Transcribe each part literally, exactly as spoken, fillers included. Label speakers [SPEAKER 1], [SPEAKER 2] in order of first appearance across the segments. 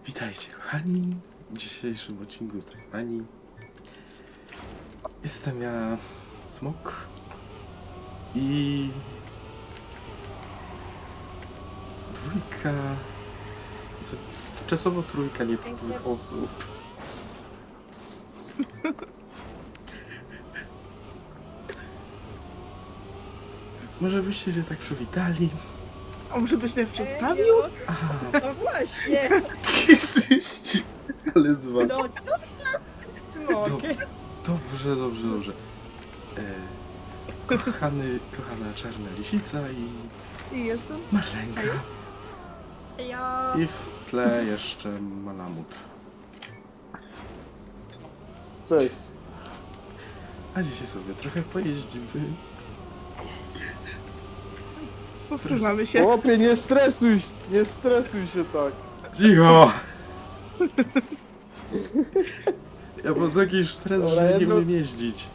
[SPEAKER 1] Witajcie kochani w dzisiejszym odcinku z Trackmanii. Jestem ja, Smok i dwójka, czasowo trójka nietypowych osób. Może byście się tak przywitali?
[SPEAKER 2] A może byś tak przedstawił?
[SPEAKER 1] Aha,
[SPEAKER 3] No właśnie!
[SPEAKER 1] jesteście, ale z was.
[SPEAKER 3] No to Smok.
[SPEAKER 1] Dobrze, dobrze, dobrze. E, kochany, kochana czarna lisica i
[SPEAKER 2] I jestem.
[SPEAKER 1] Marlenka.
[SPEAKER 3] Ja...
[SPEAKER 1] I w tle jeszcze Malamut.
[SPEAKER 4] Cześć.
[SPEAKER 1] A dzisiaj sobie trochę pojeździmy.
[SPEAKER 2] Powtarzamy się.
[SPEAKER 4] Chłopie, nie stresuj, się- nie stresuj się tak.
[SPEAKER 1] Cicho! Ja mam taki stres,
[SPEAKER 4] Dobra,
[SPEAKER 1] że nie
[SPEAKER 4] jedno-
[SPEAKER 1] umiem jeździć.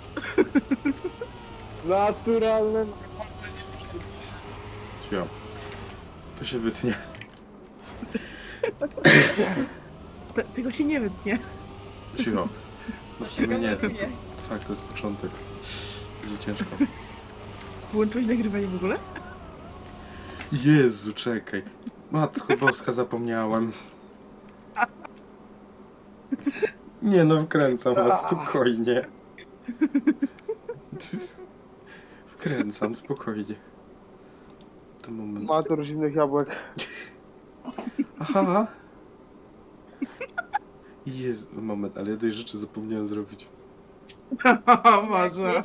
[SPEAKER 4] Naturalne.
[SPEAKER 1] Cicho. To się wytnie.
[SPEAKER 2] Te, tego się nie wytnie.
[SPEAKER 1] Cicho. No w sumie nie, to jest,
[SPEAKER 3] Nie.
[SPEAKER 1] fakt, to jest początek. Będzie ciężko.
[SPEAKER 2] Włączyłeś nagrywanie w ogóle?
[SPEAKER 1] Jezu, czekaj. Matko Boska, zapomniałem. Nie no, wkręcam was, spokojnie. Wkręcam, spokojnie. To moment.
[SPEAKER 4] Mator zimnych jabłek.
[SPEAKER 1] Aha. Jezu, moment, ale jednej rzeczy zapomniałem zrobić.
[SPEAKER 2] Może.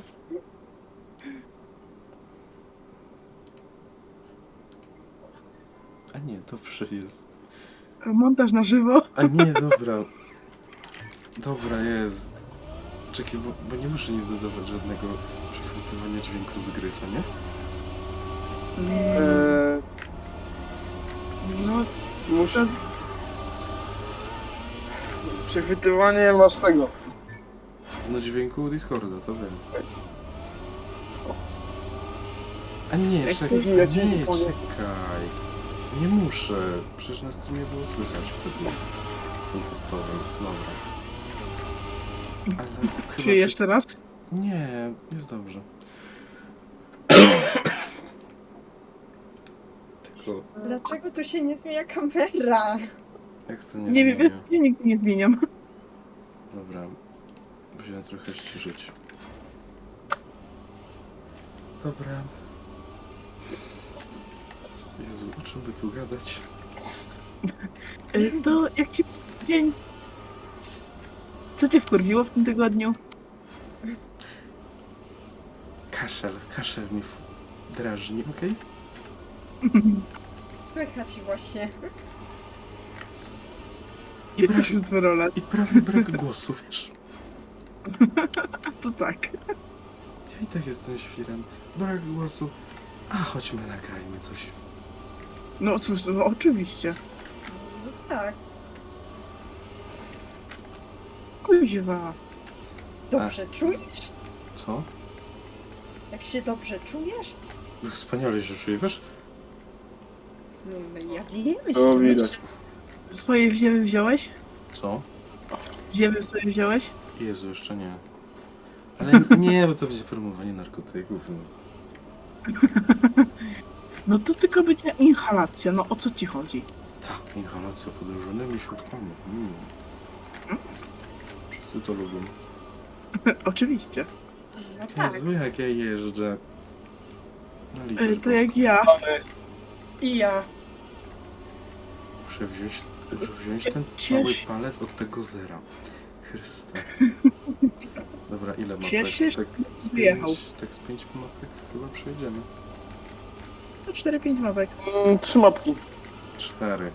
[SPEAKER 1] A nie, dobrze jest.
[SPEAKER 2] Montaż na żywo.
[SPEAKER 1] A nie, dobra. Dobra, jest. Czekaj, bo, bo nie muszę nic dodawać żadnego przechwytywania dźwięku z gry, co nie?
[SPEAKER 2] Mm,
[SPEAKER 4] Eee,
[SPEAKER 2] No,
[SPEAKER 4] muszę... Przechwytywanie masz tego.
[SPEAKER 1] No dźwięku Discorda, to wiem. A nie,
[SPEAKER 2] Jak
[SPEAKER 1] czekaj,
[SPEAKER 4] to- ja ci
[SPEAKER 1] nie,
[SPEAKER 4] nie powiem.
[SPEAKER 1] czekaj. Nie muszę. Przecież na streamie było słychać wtedy. Tym testowym. Dobra. Ale chyba...
[SPEAKER 2] czy
[SPEAKER 1] przy-
[SPEAKER 2] jeszcze raz?
[SPEAKER 1] Nie, jest dobrze. Tylko,
[SPEAKER 3] Dlaczego tu się nie zmienia kamera?
[SPEAKER 1] jak to nie
[SPEAKER 2] Nie wiem,
[SPEAKER 1] zmienia?
[SPEAKER 2] ja nigdy nie zmieniam.
[SPEAKER 1] Dobra, musimy trochę ściszyć. Dobra. Jezu, o czym by tu gadać?
[SPEAKER 2] Y, To jak ci dzień? Co cię wkurwiło w tym tygodniu?
[SPEAKER 1] Kaszel, kaszel mnie w- drażni, okej?
[SPEAKER 3] Słychać właśnie.
[SPEAKER 1] I,
[SPEAKER 2] Jesteś
[SPEAKER 1] prawie,
[SPEAKER 2] już z rola.
[SPEAKER 1] I prawie brak głosu, wiesz?
[SPEAKER 2] To tak.
[SPEAKER 1] Ja i tak jestem świrem. Brak głosu. A, chodźmy, nagrajmy coś.
[SPEAKER 2] No cóż, no oczywiście.
[SPEAKER 3] No tak.
[SPEAKER 2] Kuźwa.
[SPEAKER 3] Dobrze czujesz?
[SPEAKER 1] Co?
[SPEAKER 3] Jak się dobrze czujesz?
[SPEAKER 1] Wspaniale się czuję, wiesz?
[SPEAKER 3] No ja wiem,
[SPEAKER 4] To
[SPEAKER 3] że-
[SPEAKER 4] widać.
[SPEAKER 2] Swoje wziewy wziąłeś?
[SPEAKER 1] Co?
[SPEAKER 2] Wziewy sobie wziąłeś?
[SPEAKER 1] Jezu, jeszcze nie. Ale nie, bo to będzie promowanie narkotyków. No.
[SPEAKER 2] No to tylko będzie inhalacja, no o co ci chodzi?
[SPEAKER 1] Ta, inhalacja podróżnymi środkami. Mm. Wszyscy to lubią.
[SPEAKER 2] Oczywiście.
[SPEAKER 3] No tak.
[SPEAKER 1] Jezu, jak ja jeżdżę. Na
[SPEAKER 2] Y,
[SPEAKER 1] litość
[SPEAKER 2] To jak ja.
[SPEAKER 3] I ja.
[SPEAKER 1] Muszę wziąć, muszę wziąć ten
[SPEAKER 2] Ciesz-
[SPEAKER 1] mały palec od tego zera. Chryste. Dobra, ile mapek?
[SPEAKER 2] Cieszysz,
[SPEAKER 1] Tak z
[SPEAKER 2] wyjechał.
[SPEAKER 1] pięć, tak z pięć mapek chyba przejdziemy.
[SPEAKER 2] To cztery pięć mapek.
[SPEAKER 4] Mm, trzy mapki.
[SPEAKER 1] Cztery.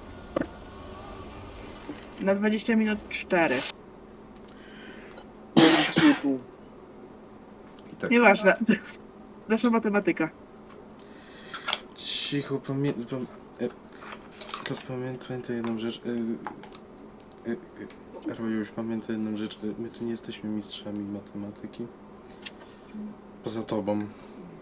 [SPEAKER 2] Na dwadzieścia minut cztery.
[SPEAKER 4] Trzy i pół.
[SPEAKER 1] I tak.
[SPEAKER 2] Nieważne. Nasza matematyka.
[SPEAKER 1] Cicho, pamiętam. To pamiętaj jedną rzecz. E, e, e, Rojuś, pamiętaj jedną rzecz. e, My tu nie jesteśmy mistrzami matematyki. Poza tobą.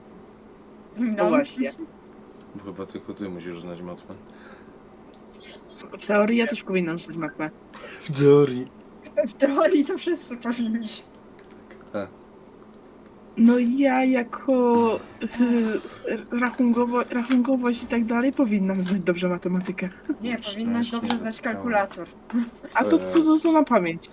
[SPEAKER 2] No właśnie.
[SPEAKER 1] Bo chyba tylko ty musisz znać matmę.
[SPEAKER 2] W teorii ja też powinnam znać matmę.
[SPEAKER 1] W teorii.
[SPEAKER 3] W teorii to wszyscy powinniśmy.
[SPEAKER 1] Tak.
[SPEAKER 2] No ja jako y, rachunkowo, rachunkowość i tak dalej powinnam znać dobrze matematykę.
[SPEAKER 3] Nie,
[SPEAKER 1] Już
[SPEAKER 3] powinnaś
[SPEAKER 1] też nie
[SPEAKER 3] dobrze znać
[SPEAKER 1] wypchałem.
[SPEAKER 3] kalkulator.
[SPEAKER 2] A to, to, to, to na pamięć.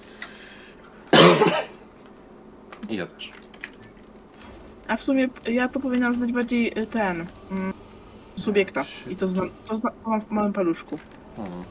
[SPEAKER 1] I ja też.
[SPEAKER 2] A w sumie ja to powinnam znać bardziej y, ten... Mm, subiekta. I to znam, to znam to mam w małym paluszku.
[SPEAKER 1] Hmm.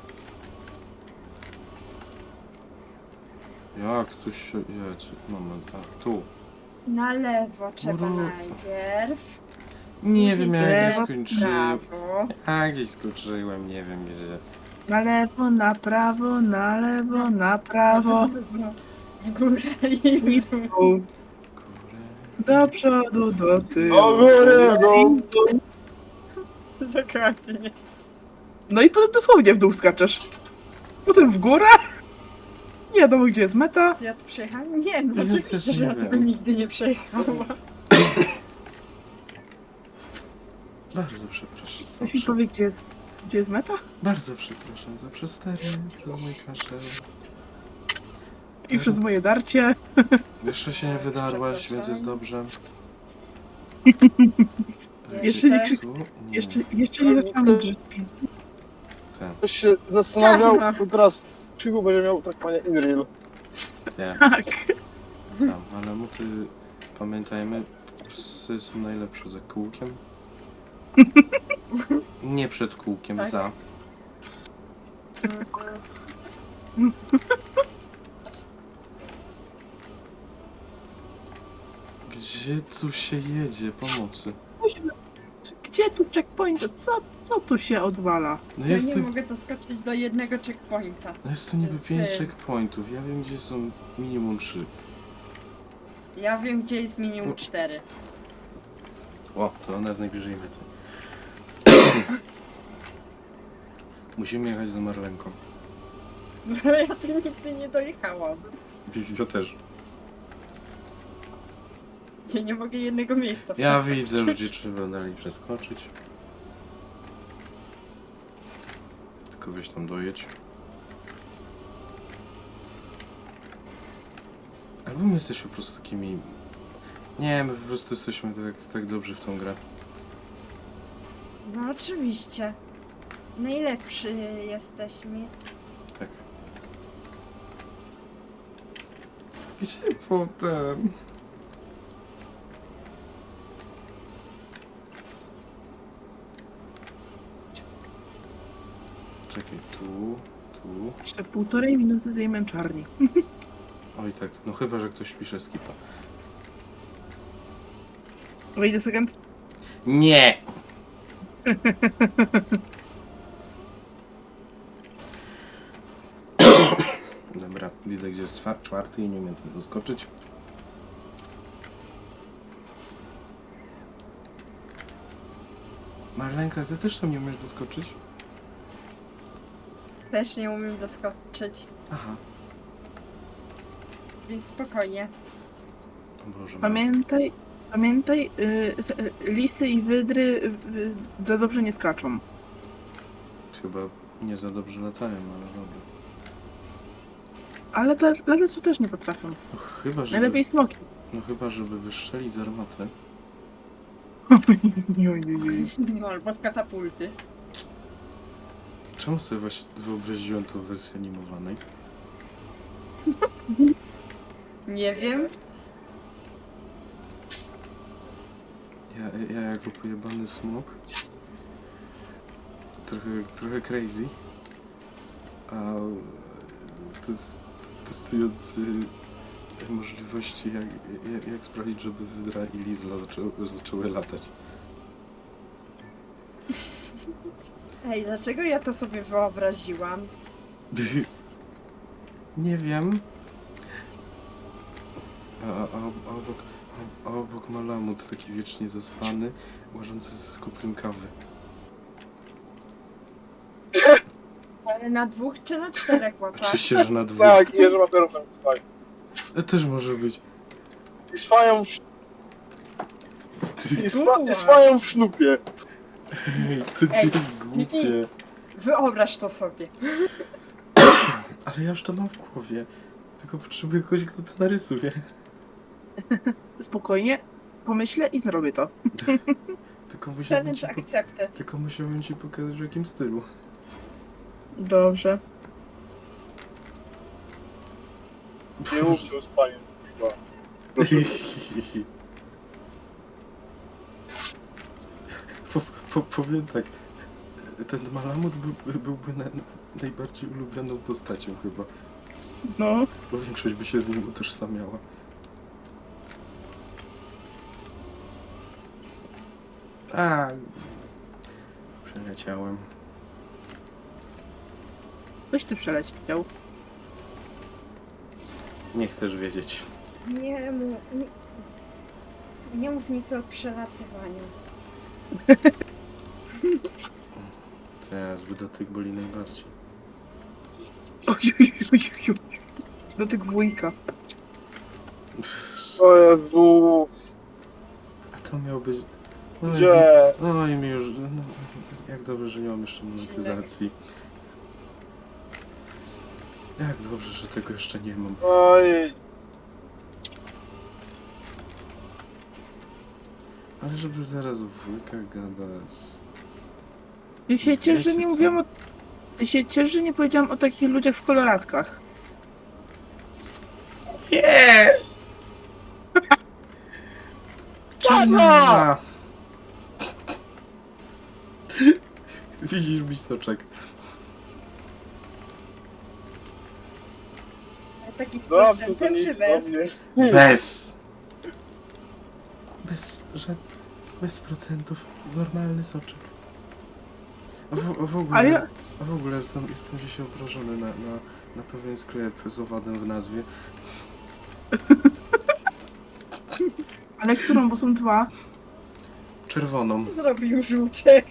[SPEAKER 1] Jak tu się jedzie? Moment, a tu.
[SPEAKER 3] Na lewo trzeba
[SPEAKER 1] Uru.
[SPEAKER 3] najpierw.
[SPEAKER 1] Nie
[SPEAKER 3] Później
[SPEAKER 1] wiem, jak
[SPEAKER 2] lewo,
[SPEAKER 1] gdzieś skończyłem.
[SPEAKER 3] Prawo.
[SPEAKER 1] A gdzieś skończyłem, nie wiem gdzie.
[SPEAKER 2] Na lewo, na prawo, na lewo, na prawo.
[SPEAKER 3] W górę i
[SPEAKER 2] I
[SPEAKER 3] w dół.
[SPEAKER 2] tu.
[SPEAKER 1] Góry.
[SPEAKER 2] Do przodu, do tyłu.
[SPEAKER 4] Do góry, do...
[SPEAKER 3] Dokładnie.
[SPEAKER 2] No i potem dosłownie w dół skaczesz. Potem w górę. Nie wiadomo, gdzie jest meta.
[SPEAKER 3] Ja tu przejechałam? Nie, no
[SPEAKER 1] Ja
[SPEAKER 3] oczywiście,
[SPEAKER 1] też
[SPEAKER 3] że
[SPEAKER 1] nie
[SPEAKER 3] ja tego
[SPEAKER 1] wiem.
[SPEAKER 3] nigdy nie przejechałam.
[SPEAKER 1] Bardzo przepraszam. Za
[SPEAKER 2] Ktoś mi
[SPEAKER 1] prze...
[SPEAKER 2] powie, gdzie jest, gdzie jest meta?
[SPEAKER 1] Bardzo przepraszam za przestery, przez mój kaszel.
[SPEAKER 2] I przez moje darcie.
[SPEAKER 1] Jeszcze się nie wydarłaś,
[SPEAKER 3] Przepraszam.
[SPEAKER 1] więc jest dobrze.
[SPEAKER 2] Jeszcze nie
[SPEAKER 1] Gdzie
[SPEAKER 2] krzyk-
[SPEAKER 1] tu? Nie.
[SPEAKER 2] Jeszcze, jeszcze nie zaczęłam drzeć pizdy.
[SPEAKER 1] Ten,
[SPEAKER 4] Ktoś się zastanawiał,
[SPEAKER 3] Czarna.
[SPEAKER 4] to teraz Krzyku będzie miał tak panie Inreal.
[SPEAKER 1] nie,
[SPEAKER 2] Tak.
[SPEAKER 1] tam, ale muty, pamiętajmy, psy są najlepsze za kółkiem. Nie przed kółkiem,
[SPEAKER 3] Tak.
[SPEAKER 1] za. Gdzie tu się jedzie? Pomocy.
[SPEAKER 2] Musimy- Gdzie tu checkpoint? Co, co tu się odwala?
[SPEAKER 1] No
[SPEAKER 3] Ja
[SPEAKER 1] jest
[SPEAKER 3] nie
[SPEAKER 1] tu,
[SPEAKER 3] mogę doskoczyć do jednego checkpointa.
[SPEAKER 1] no jest tu niby
[SPEAKER 3] Więc,
[SPEAKER 1] pięć
[SPEAKER 3] y-
[SPEAKER 1] checkpointów, ja wiem gdzie są minimum trzy.
[SPEAKER 3] Ja wiem, gdzie jest minimum cztery.
[SPEAKER 1] O, to ona jest najbliżej mety. Musimy jechać za Marlenką.
[SPEAKER 3] No ale ja tu nigdy nie dojechałam.
[SPEAKER 1] Ja też.
[SPEAKER 3] Ja nie mogę jednego miejsca
[SPEAKER 1] Ja
[SPEAKER 3] przeskoczyć.
[SPEAKER 1] widzę, że gdzie trzeba dalej przeskoczyć. Tylko weź tam dojedź. Albo my jesteśmy po prostu takimi... Nie, my po prostu jesteśmy tak, tak dobrzy w tą grę.
[SPEAKER 3] No oczywiście. Najlepszy jesteśmy.
[SPEAKER 1] Tak. Gdzie potem? Czekaj, tu, tu.
[SPEAKER 2] Jeszcze półtorej minuty tej męczarni.
[SPEAKER 1] Oj tak, no chyba, że ktoś pisze skipa.
[SPEAKER 2] Wait a second.
[SPEAKER 1] Nie! Dobra, widzę gdzie jest czwa- czwarty i nie umiem tam doskoczyć. Marlenka, ty też tam nie umiesz doskoczyć?
[SPEAKER 3] Też nie umiem doskoczyć.
[SPEAKER 1] Aha.
[SPEAKER 3] Więc spokojnie.
[SPEAKER 1] O Boże,
[SPEAKER 2] Pamiętaj, pamiętaj, y, y, lisy i wydry y, za dobrze nie skaczą.
[SPEAKER 1] chyba nie za dobrze latają, ale dobra.
[SPEAKER 2] Ale te latać też nie potrafią.
[SPEAKER 1] No chyba, żeby,
[SPEAKER 2] Najlepiej smoki.
[SPEAKER 1] no chyba, żeby wystrzelić z armaty.
[SPEAKER 2] Ojej.
[SPEAKER 3] No albo z katapulty.
[SPEAKER 1] Czemu sobie właśnie wyobraziłem tą wersję animowanej?
[SPEAKER 3] Nie wiem.
[SPEAKER 1] Ja, ja jako pojebany smok. Trochę, trochę crazy. A test, testując y, możliwości, jak, jak, jak sprawić, żeby Wydra i Lizla zaczęły, zaczęły latać.
[SPEAKER 3] Ej, dlaczego ja to sobie wyobraziłam?
[SPEAKER 1] Nie wiem. A, a, a, obok, a, a obok ma lamut taki wiecznie zaspany, łażący z kubkiem kawy.
[SPEAKER 3] Ale na dwóch czy na czterech łapach?
[SPEAKER 1] Oczywiście, że na dwóch.
[SPEAKER 4] Tak, i Jerzy papierosem wstaje.
[SPEAKER 1] E, też może być.
[SPEAKER 4] I spają w,
[SPEAKER 1] Ty,
[SPEAKER 4] i spa, i spają w sznupie.
[SPEAKER 1] ej, to nie
[SPEAKER 3] Ej,
[SPEAKER 1] jest głupie.
[SPEAKER 3] Wyobraź to sobie.
[SPEAKER 1] Ale ja już to mam w głowie. Tylko potrzebuję kogoś, kto to narysuje.
[SPEAKER 2] Spokojnie, pomyślę i zrobię to.
[SPEAKER 1] Tylko musiałbym ci,
[SPEAKER 3] Challenge
[SPEAKER 1] po...
[SPEAKER 3] accepted.
[SPEAKER 1] Tylko musiałbym ci pokazać, w jakim stylu.
[SPEAKER 2] Dobrze.
[SPEAKER 4] Nie mówcie o spaniu. kurwa.
[SPEAKER 1] po, po, powiem tak. Ten Malamut był, byłby na, najbardziej ulubioną postacią chyba.
[SPEAKER 2] No,
[SPEAKER 1] Bo większość by się z nim utożsamiała. A, przeleciałem.
[SPEAKER 2] coś ty przeleciał.
[SPEAKER 1] Nie chcesz wiedzieć.
[SPEAKER 3] Nie mów, nie, nie mów nic o przelatywaniu.
[SPEAKER 1] Teraz by dotyk boli najbardziej.
[SPEAKER 2] Oj, oj, oj, oj, oj. Do tych wujka.
[SPEAKER 4] O Jezu.
[SPEAKER 1] A to miał być... No,
[SPEAKER 4] Gdzie?
[SPEAKER 1] no i mi już... No, jak dobrze, że nie mam jeszcze monetyzacji. Jak dobrze, że tego jeszcze nie mam.
[SPEAKER 4] Oj.
[SPEAKER 1] Ale żeby zaraz o wujkach gadać...
[SPEAKER 2] Ty się ciesz, że
[SPEAKER 1] Wiecie
[SPEAKER 2] nie
[SPEAKER 1] co?
[SPEAKER 2] mówiłam o... Ty się ciesz, że nie powiedziałam o takich ludziach w koloratkach.
[SPEAKER 1] Nie! Czarna! Widzisz mi soczek.
[SPEAKER 3] Ale taki z
[SPEAKER 4] Dobrze, to
[SPEAKER 3] procentem
[SPEAKER 4] nie
[SPEAKER 3] czy
[SPEAKER 4] idź
[SPEAKER 3] bez?
[SPEAKER 4] do mnie.
[SPEAKER 1] Bez! Bez, że... Bez procentów. Normalny soczek. A w, a w ogóle...
[SPEAKER 2] A ja...
[SPEAKER 1] A w ogóle jestem, jestem dzisiaj obrażony na, na, na pewien sklep z owadem w nazwie.
[SPEAKER 2] Ale którą, bo są dwa.
[SPEAKER 1] Czerwoną.
[SPEAKER 3] Zrobił żółczek.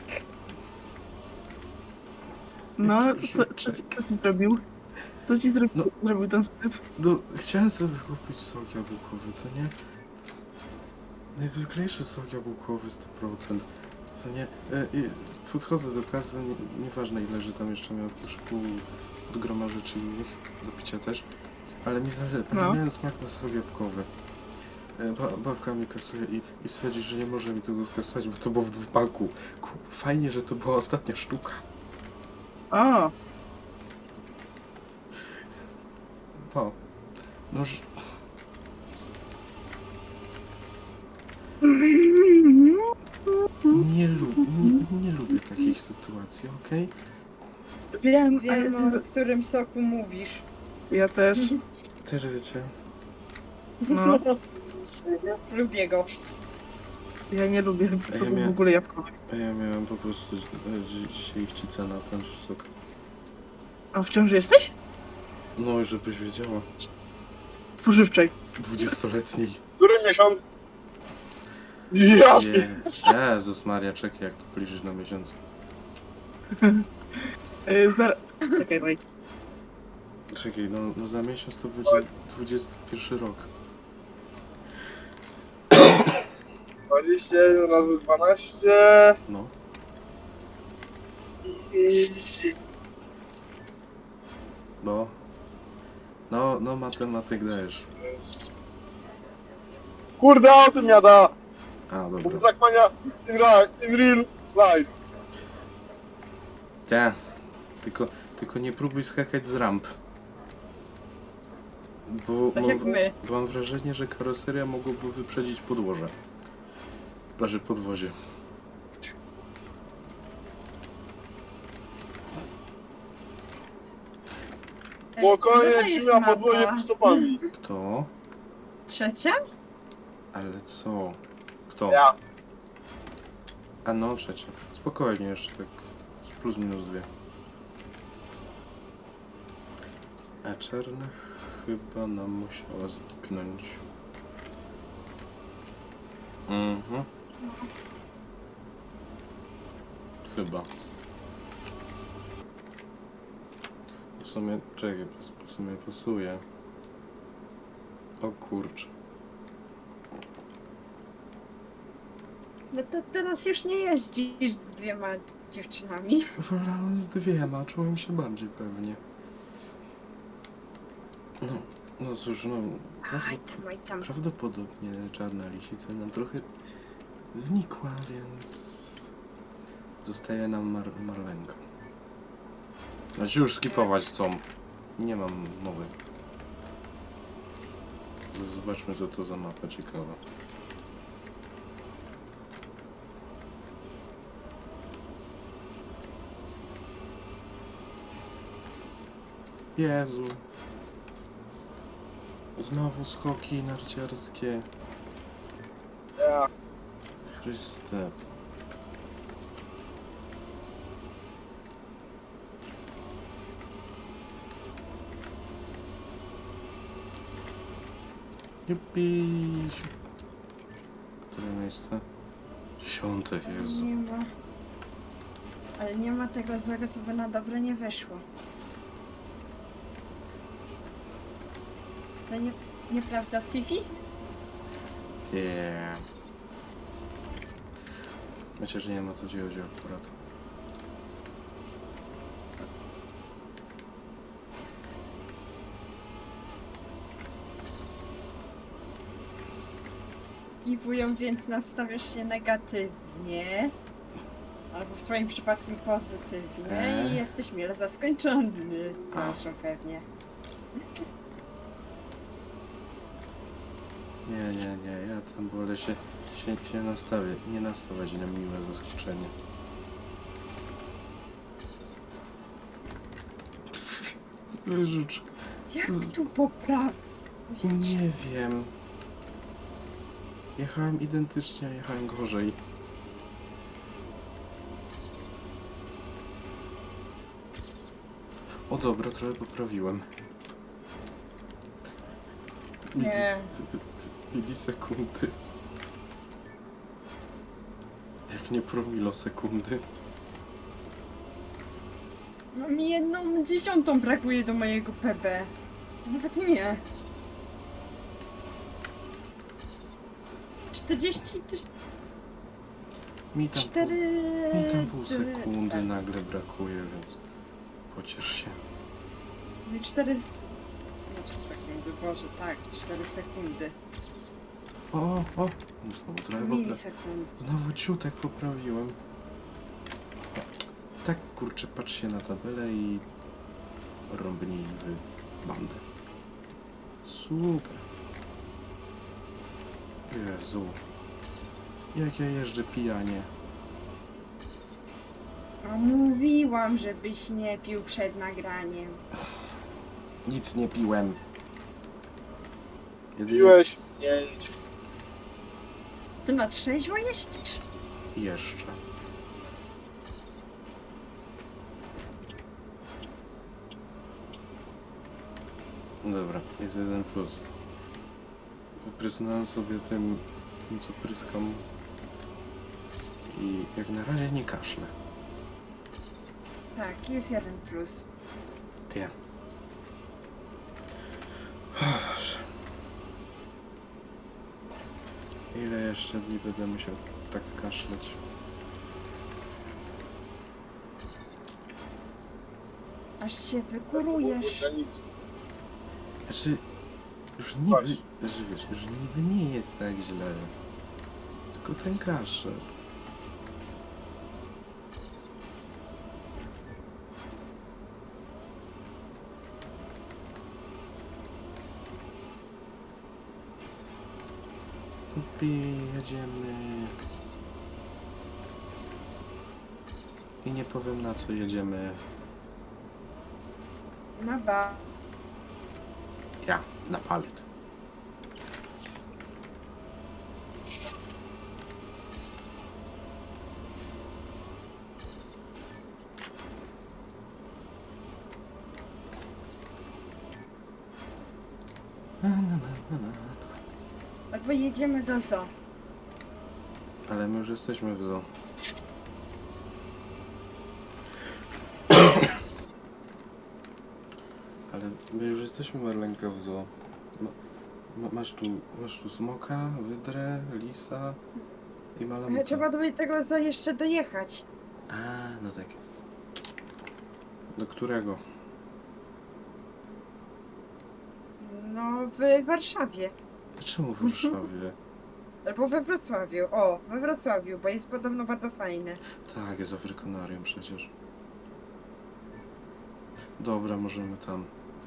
[SPEAKER 2] No,
[SPEAKER 1] Jaki
[SPEAKER 2] co, co, ci, co ci zrobił? Co ci zrobił,
[SPEAKER 1] No.
[SPEAKER 2] zrobił ten sklep?
[SPEAKER 1] No, chciałem sobie kupić sok jabłkowy, co nie? Najzwyklejszy sok jabłkowy sto procent. Co nie? E, i podchodzę do kasy, nie, nieważne ile, że tam jeszcze miałem w koszyku od groma rzeczy innych, do picia też. Ale mi zale...
[SPEAKER 2] No.
[SPEAKER 1] ale miałem smak na sok jabłkowy. E, ba, babka mi kasuje i, i stwierdzi, że nie może mi tego skasać, bo to było w dwupaku. Ku, fajnie, że to była ostatnia sztuka.
[SPEAKER 2] O,
[SPEAKER 1] To. No, że... Nie, lu nie, nie lubię takich sytuacji, okej?
[SPEAKER 2] wiem,
[SPEAKER 3] Wiem,
[SPEAKER 2] ale
[SPEAKER 3] o którym soku mówisz.
[SPEAKER 2] ja też.
[SPEAKER 1] Też wiecie.
[SPEAKER 2] No,
[SPEAKER 3] Lubię go.
[SPEAKER 2] ja nie lubię
[SPEAKER 1] ja
[SPEAKER 2] soków w
[SPEAKER 1] miałem-
[SPEAKER 2] ogóle jabłkowych.
[SPEAKER 1] A ja miałem po prostu e, dzi- dzisiaj chcica na ten sok.
[SPEAKER 2] A w ciąży jesteś?
[SPEAKER 1] No i żebyś wiedziała.
[SPEAKER 2] Spożywczej.
[SPEAKER 1] Dwudziestoletniej.
[SPEAKER 4] Który miesiąc? Ja
[SPEAKER 1] Je, Jezus Maria, czekaj jak to policzyć na miesiąc.
[SPEAKER 2] Yy, zar... Czekaj, wait.
[SPEAKER 1] Czekaj, no, no za miesiąc to będzie dwudziesty pierwszy rok.
[SPEAKER 4] dwadzieścia jeden razy dwanaście.
[SPEAKER 1] No.
[SPEAKER 4] I...
[SPEAKER 1] No. No, no matematyk dajesz.
[SPEAKER 4] Kurde, o tym jada!
[SPEAKER 1] A,
[SPEAKER 4] Bo
[SPEAKER 1] dobra.
[SPEAKER 4] Trackmania in, ra- in real life.
[SPEAKER 1] Te. Tylko, tylko nie próbuj skakać z ramp. Bo
[SPEAKER 3] Tak
[SPEAKER 1] mam,
[SPEAKER 3] jak my.
[SPEAKER 1] bo mam wrażenie, że karoseria mogłaby wyprzedzić podłoże. Plaży podwozie.
[SPEAKER 4] Spokojnie,
[SPEAKER 3] Która jest
[SPEAKER 4] trzyma podłozie
[SPEAKER 3] mapa?
[SPEAKER 4] pod stopami.
[SPEAKER 1] Kto?
[SPEAKER 3] Trzecia?
[SPEAKER 1] Ale co? Kto?
[SPEAKER 4] Ja.
[SPEAKER 1] A no, trzecia. Spokojnie, jeszcze tak z plus minus dwie. A czarna chyba nam musiała zniknąć. Mhm. Chyba. W sumie, czekaj, w sumie pasuje. O kurczę.
[SPEAKER 3] No to teraz już nie jeździsz z dwiema dziewczynami.
[SPEAKER 1] Wolałem z dwiema, czułem się bardziej pewnie. No, no cóż, no...
[SPEAKER 3] Aj tam, aj tam.
[SPEAKER 1] Prawdopodobnie czarna lisica nam trochę znikła, więc zostaje nam Mar Marlenka. Znaczy już skipować są. Nie mam mowy. Z- Zobaczmy, co to za mapa ciekawa. Jezu. Znowu skoki narciarskie.
[SPEAKER 4] Ja.
[SPEAKER 1] Chryste. Jupi. Które miejsce? Dziesiąte, Jezu.
[SPEAKER 3] Nie ma. Ale nie ma tego złego, co by na dobre nie wyszło. To nie, nieprawda, Fifi?
[SPEAKER 1] Nie. Myślę, że nie ma co ci chodzi akurat.
[SPEAKER 3] Dziwują, więc nastawiasz się negatywnie. Albo w twoim przypadku pozytywnie.
[SPEAKER 1] Eee.
[SPEAKER 3] I jesteś mile zaskoczony.
[SPEAKER 1] A.
[SPEAKER 3] Proszę, pewnie.
[SPEAKER 1] Nie, nie, nie, ja tam wolę się, się, się nastawię, nie nastawiać na miłe zaskoczenie. Zwierzuczka.
[SPEAKER 3] Jak
[SPEAKER 1] Z-
[SPEAKER 3] tu poprawić?
[SPEAKER 1] Nie wiem. Jechałem identycznie, a jechałem gorzej. O dobra, trochę poprawiłem.
[SPEAKER 3] Nie.
[SPEAKER 1] Milis- Milisekundy. Jak nie promilosekundy.
[SPEAKER 3] No mi jedną dziesiątą brakuje do mojego P B. Nawet nie. czterdzieści tyś...
[SPEAKER 1] Mi tam,
[SPEAKER 3] cztery...
[SPEAKER 1] pół, mi tam pół
[SPEAKER 3] ty-
[SPEAKER 1] sekundy
[SPEAKER 3] tak.
[SPEAKER 1] nagle brakuje, więc pociesz się.
[SPEAKER 3] Mi cztery... s- Znaczy sekundy, Boże, tak, cztery sekundy.
[SPEAKER 1] O, o, o! Znowu trochę popra...
[SPEAKER 3] Milisekund.
[SPEAKER 1] Znowu ciutek poprawiłem. Tak, kurczę, patrz się na tabelę i rąbnij w bandę. Super. Jezu. Jak ja jeżdżę pijanie.
[SPEAKER 3] A mówiłam, żebyś nie pił przed nagraniem.
[SPEAKER 1] Nic nie piłem. Jedynie
[SPEAKER 4] Piłeś
[SPEAKER 1] s-
[SPEAKER 4] pięć.
[SPEAKER 3] Ty na trzeźwo jeździsz?
[SPEAKER 1] Jeszcze. Dobra, jest jeden plus. Zaprysnąłem sobie tym, tym co pryskam. I jak na razie nie kaszlę.
[SPEAKER 3] Tak, jest jeden plus.
[SPEAKER 1] Ty. Ile jeszcze dni będę musiał tak kaszleć?
[SPEAKER 3] Aż się wykurujesz.
[SPEAKER 4] Granicy.
[SPEAKER 1] Znaczy, już niby,
[SPEAKER 4] Patrz.
[SPEAKER 1] że wiesz, już niby nie jest tak źle. Tylko ten kaszel. Upi, jedziemy. I nie powiem na co jedziemy.
[SPEAKER 3] Na ba.
[SPEAKER 1] Ja, na palet. Na, na, na, na, na.
[SPEAKER 3] Albo jedziemy do zoo.
[SPEAKER 1] Ale my już jesteśmy w zoo. Ale my już jesteśmy, Marlenka, w zoo. Ma, ma, masz tu, masz tu smoka, wydrę, lisa i
[SPEAKER 3] Ale
[SPEAKER 1] malamutę.
[SPEAKER 3] trzeba do tego zoo jeszcze dojechać.
[SPEAKER 1] A, no tak. Do którego?
[SPEAKER 3] No, w Warszawie.
[SPEAKER 1] Czemu w Warszawie?
[SPEAKER 3] Albo we Wrocławiu. O, we Wrocławiu, bo jest podobno bardzo fajne.
[SPEAKER 1] Tak, jest Afrykanarium przecież. Dobra, możemy tam.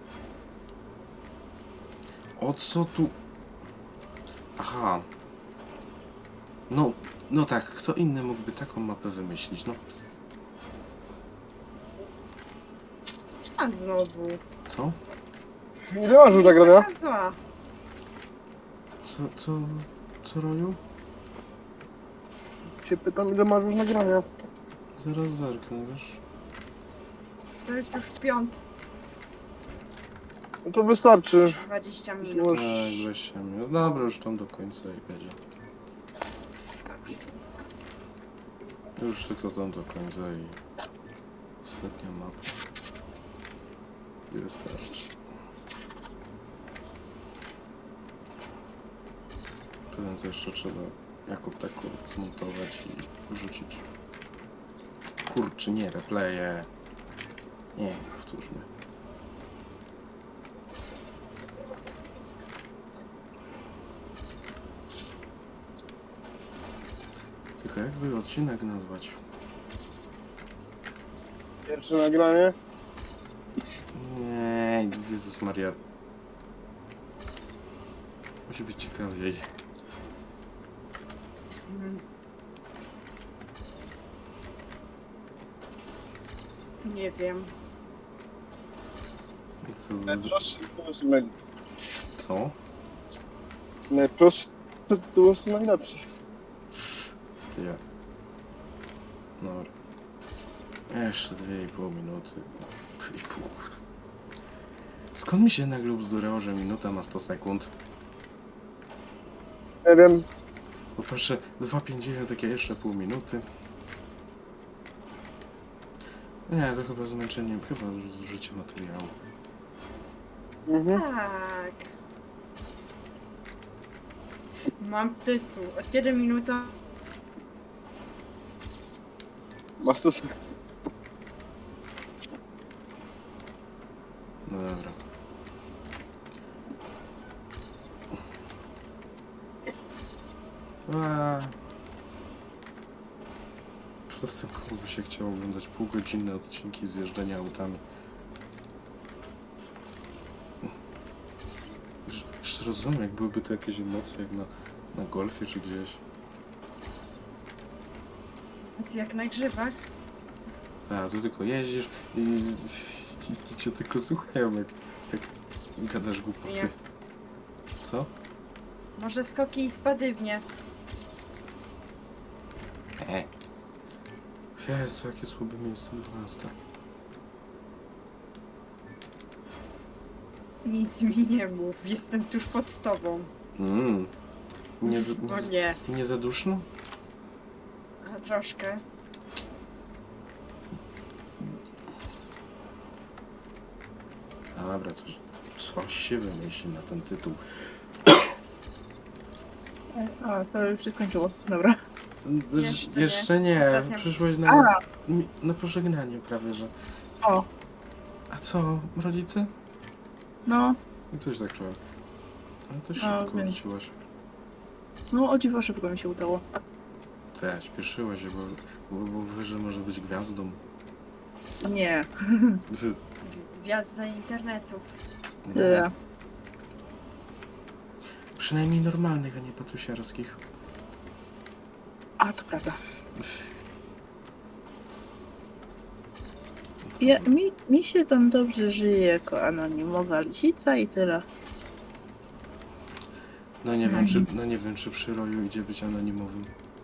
[SPEAKER 1] O co tu? Aha. No, no tak, kto inny mógłby taką mapę wymyślić, no.
[SPEAKER 3] A znowu.
[SPEAKER 1] Co?
[SPEAKER 4] Nie masz już nagrania?
[SPEAKER 3] Taka zła.
[SPEAKER 1] Co, co, co roju?
[SPEAKER 4] Się pytam, ile masz już nagrania.
[SPEAKER 1] Zaraz zerknę, wiesz?
[SPEAKER 3] To jest już piąt,
[SPEAKER 4] No to wystarczy.
[SPEAKER 3] dwadzieścia minut.
[SPEAKER 4] Już.
[SPEAKER 1] Tak, weź się. No dobra, już tam do końca i będzie. Już tylko tam do końca i ostatnia mapa. I wystarczy. Potem to jeszcze trzeba jako tako zmontować i wrzucić. Kurczę, nie, replaye. Nie, powtórzmy. Tylko jakby odcinek nazwać?
[SPEAKER 4] Pierwsze nagranie.
[SPEAKER 1] Nie, Jezus Maria. Musi być ciekawiej.
[SPEAKER 3] Mm. Nie wiem.
[SPEAKER 1] Co?
[SPEAKER 4] Najprostsze to jest mail.
[SPEAKER 1] Co?
[SPEAKER 4] Najprostsze to jest najlepsze.
[SPEAKER 1] Ty ja. Dobra. Jeszcze dwie i pół minuty. Dwie i pół. Skąd mi się nagle bzdurało, że minuta ma sto sekund?
[SPEAKER 4] Nie wiem.
[SPEAKER 1] Bo patrzę, dwa pięćdziesiąt, takie jeszcze pół minuty. Nie, to chyba zmęczenie, chyba zużycie materiału.
[SPEAKER 4] Mhm.
[SPEAKER 3] Tak. Mam tytuł. Od kiedy minuta?
[SPEAKER 4] Masz to.
[SPEAKER 1] No dobra. Aaa. Poza tym komu by się chciało oglądać półgodzinne odcinki z jeżdżenia autami. Już- Jeszcze rozumiem, jak byłyby to jakieś emocje jak na, na golfie czy gdzieś.
[SPEAKER 3] Jak na grzybach.
[SPEAKER 1] Tak, tu tylko jeździsz i, i, i cię tylko słuchają, jak, jak gadasz głupoty.
[SPEAKER 3] Nie.
[SPEAKER 1] Co?
[SPEAKER 3] Może skoki i spadywnie.
[SPEAKER 1] E. Jezu, jakie słabe miejsce dwunasta.
[SPEAKER 3] Nic mi nie mów. Jestem tuż pod tobą.
[SPEAKER 1] Mmm. Nie, za-
[SPEAKER 3] No
[SPEAKER 1] nie,
[SPEAKER 3] nie.
[SPEAKER 1] nie za duszno?
[SPEAKER 3] A, troszkę.
[SPEAKER 1] Dobra, coś, coś się wymyśli na ten tytuł.
[SPEAKER 2] A, to już się skończyło. Dobra.
[SPEAKER 3] Jeszcze nie.
[SPEAKER 1] Jeszcze nie,
[SPEAKER 3] Ostatnia-
[SPEAKER 1] przyszłeś na,
[SPEAKER 2] A,
[SPEAKER 1] mi- na pożegnanie prawie, że...
[SPEAKER 2] o,
[SPEAKER 1] A co, rodzice?
[SPEAKER 2] no,
[SPEAKER 1] I coś tak czułem. Ale to
[SPEAKER 2] A,
[SPEAKER 1] szybko
[SPEAKER 2] więc-
[SPEAKER 1] wróciłaś.
[SPEAKER 2] no o dziwo szybko mi się udało.
[SPEAKER 1] Te, śpieszyłaś się, bo, bo, bo wiesz, że może być gwiazdą.
[SPEAKER 2] Nie,
[SPEAKER 1] Z-
[SPEAKER 3] Gwiazda internetów.
[SPEAKER 1] no,
[SPEAKER 2] tyle.
[SPEAKER 1] przynajmniej normalnych, a nie patusiarskich.
[SPEAKER 2] A, to prawda. Ja, mi, mi się tam dobrze żyje jako anonimowa lisica i tyle.
[SPEAKER 1] No nie wiem, czy, no nie wiem, czy przy roju idzie być anonimowym.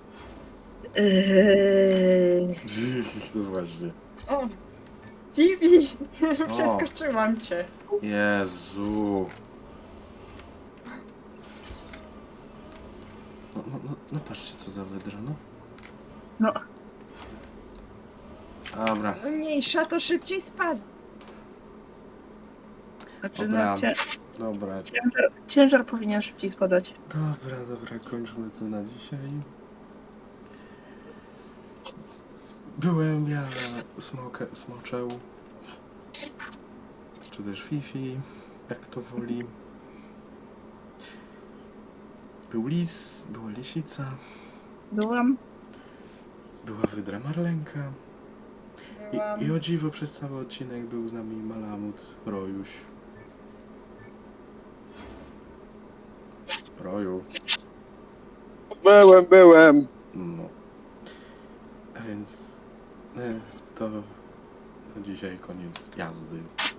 [SPEAKER 2] Eee,
[SPEAKER 1] No właśnie.
[SPEAKER 3] O! Vivi!
[SPEAKER 1] Co?
[SPEAKER 3] Przeskoczyłam cię.
[SPEAKER 1] Jezu. No, no, no, no patrzcie, co za wydra, no.
[SPEAKER 2] no,
[SPEAKER 1] Dobra,
[SPEAKER 3] Mniejsza to szybciej spadł.
[SPEAKER 2] znaczy
[SPEAKER 1] Dobra.
[SPEAKER 2] no, cię,
[SPEAKER 1] dobra,
[SPEAKER 2] ciężar, ciężar powinien szybciej spadać.
[SPEAKER 1] dobra, dobra, kończmy to na dzisiaj. Byłem ja, smoke, Smoczeł, czy też Fifi, jak kto woli. Był lis, była lisica,
[SPEAKER 2] Byłam.
[SPEAKER 1] była wydra Marlenka
[SPEAKER 3] Byłam...
[SPEAKER 1] i, i o dziwo przez cały odcinek był z nami Malamut, Rojuś. Roju,
[SPEAKER 4] Byłem, byłem.
[SPEAKER 1] no. A więc e, to na dzisiaj koniec jazdy.